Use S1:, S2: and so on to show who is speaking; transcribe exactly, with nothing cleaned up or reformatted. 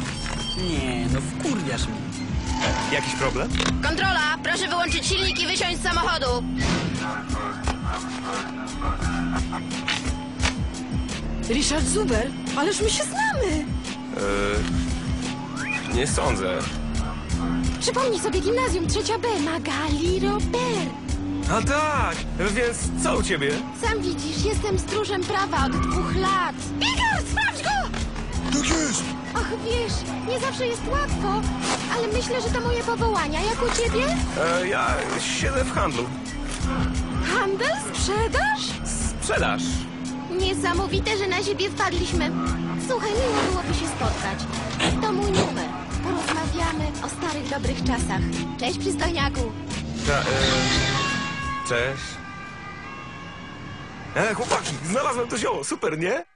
S1: Nie, no wkurwiasz mnie.
S2: Jakiś problem?
S3: Kontrola, proszę wyłączyć silnik i wysiąść z samochodu.
S4: Richard Zuber, ależ my się znamy.
S2: Yy, nie sądzę.
S4: Przypomnij sobie gimnazjum trzecia B, Magali Robert.
S2: A tak, więc co u ciebie?
S4: Sam widzisz, jestem stróżem prawa od dwóch lat. Igor, sprawdź go!
S5: Tak jest!
S4: Och, wiesz, nie zawsze jest łatwo, ale myślę, że to moje powołania. Jak u ciebie?
S2: E, ja siedzę w handlu.
S4: Handel? Sprzedaż?
S2: Sprzedaż.
S4: Niesamowite, że na siebie wpadliśmy. Słuchaj, miło byłoby się spotkać. To mój numer. Porozmawiamy o starych, dobrych czasach. Cześć, przystojniaku.
S2: Ta, e, cześć. E, chłopaki, znalazłem to zioło, super, nie?